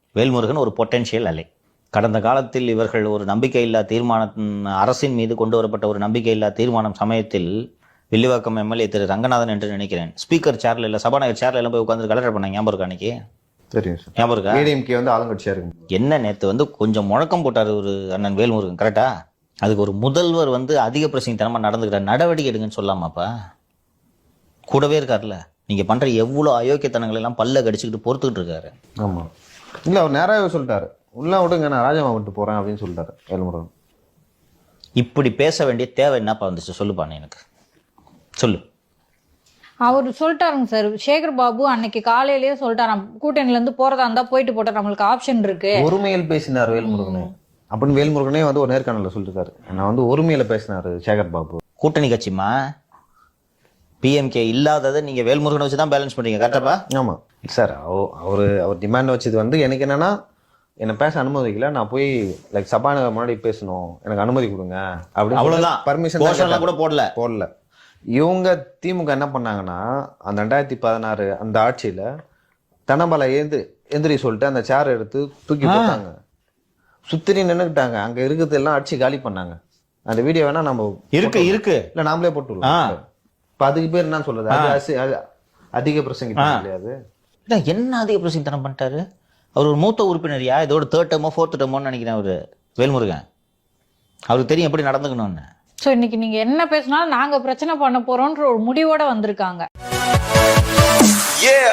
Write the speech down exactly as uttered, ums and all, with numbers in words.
வேல்முருகன் ஒரு பொட்டென்ஷியல் அலை. கடந்த காலத்தில் இவர்கள் ஒரு நம்பிக்கையில்லா தீர்மானம், அரசின் மீது கொண்டு வரப்பட்ட ஒரு நம்பிக்கையில்லா தீர்மானம் சமயத்தில் வில்லிவாக்கம் எம்எல்ஏ திரு ரங்கநாதன் என்று நினைக்கிறேன், ஸ்பீக்கர் சேர்ல இல்லை சபாநாயகர் சேர்ல எல்லாம் போய் உட்காந்து கலெக்டர் பண்ணாங்க. ஞாபகம் இருக்கா? அன்னைக்கு தெரியும் சார். ஞாபகம் இருக்கா? ஏடிஎம்கே வந்து ஆளுங்கட்சியா இருக்கு. என்ன நேற்று வந்து கொஞ்சம் முழக்கம் போட்டார் ஒரு அண்ணன் வேல்முருகன், கரெக்டா? அதுக்கு ஒரு முதல்வர் வந்து அதிக பிரசித்தனமாக நடந்துக்கிற நடவடிக்கை எடுங்கன்னு சொல்லாமாப்பா? கூடவே இருக்காருல்ல. நீங்க பண்ற எவ்வளவு அயோக்கியத்தனங்கள் எல்லாம் பல்ல கடிச்சுக்கிட்டு பொறுத்துக்கிட்டு இருக்காரு. ஆமா, இல்ல அவர் நேராவே சொல்லிட்டாரு, உள்ள விடுங்க நான் ராஜாமா விட்டு போறேன் அப்படின்னு சொல்லிட்டாரு வேல்முருகன். இப்படி பேச வேண்டிய தேவை என்னப்பா வந்துச்சு சொல்லுப்பானே, எனக்கு சொல்லு. அவர் சொல்லிட்டாருங்க சார், சேகர் பாபு அன்னைக்கு காலையிலேயே சொல்லிட்டாராம், கூட்டணியில இருந்து போறதா இருந்தா போயிட்டு போட்டா நம்மளுக்கு ஆப்ஷன் இருக்கு. ஒருமையில் பேசினார் வேல்முருகனே அப்படின்னு வேல்முருகனே வந்து ஒரு நேர்காணல சொல்லிருக்காரு. நான் வந்து ஒருமையில பேசினாரு சேகர் பாபு. கூட்டணி கட்சிமா பிஎம்கே இல்லாததை நீங்க வேல்முருகனை வச்சு தான் பேலன்ஸ் பண்றீங்க, கரெக்டாப்பா? ஆமா சார். அவரு அவர் டிமாண்ட் வச்சது வந்து எனக்கு என்னன்னா, என்ன பேச அனுமதிக்கல, நான் போய் லைக் சபாநாயகர் முன்னாடி பேசணும், எனக்கு அனுமதி கொடுங்க அப்படின்னு. அவ்வளவுதான். பர்மிஷன் கூட போடல போடல இவங்க திமுக என்ன பண்ணாங்கன்னா, அந்த ரெண்டாயிரத்தி பதினாறு அந்த ஆட்சியில தனபல ஏந்து எந்திரி சொல்லிட்டு அந்த சேர் எடுத்து தூக்கி போட்டாங்க, சுத்திரி நின்னுக்கிட்டாங்க, அங்க இருக்கிறது எல்லாம் அடிச்சு காலி பண்ணாங்க. அந்த வீடியோ வேணா நம்ம இருக்கு இருக்கு இல்ல நாமளே போட்டுருவோம். இப்ப அதுக்கு பேர் என்ன சொல்றது, அது அதிக பிரசங்க கிடையாது. என்ன அதிக பிரசித்தனம் பண்ணிட்டாரு அவர்? ஒரு மூத்த உறுப்பினரியா, இதோட தேர்ட் டேமோ ஃபோர்த் டேமோன்னு நினைக்கிறேன் அவரு வேல்முருகன். அவருக்கு தெரியும் எப்படி நடந்துக்கணும்னு. சோ இன்னைக்கு நீங்க என்ன பேசினாலும் நாங்க பிரச்சனை பண்ண போறோம்ன்ற ஒரு முடிவோட வந்திருக்காங்க.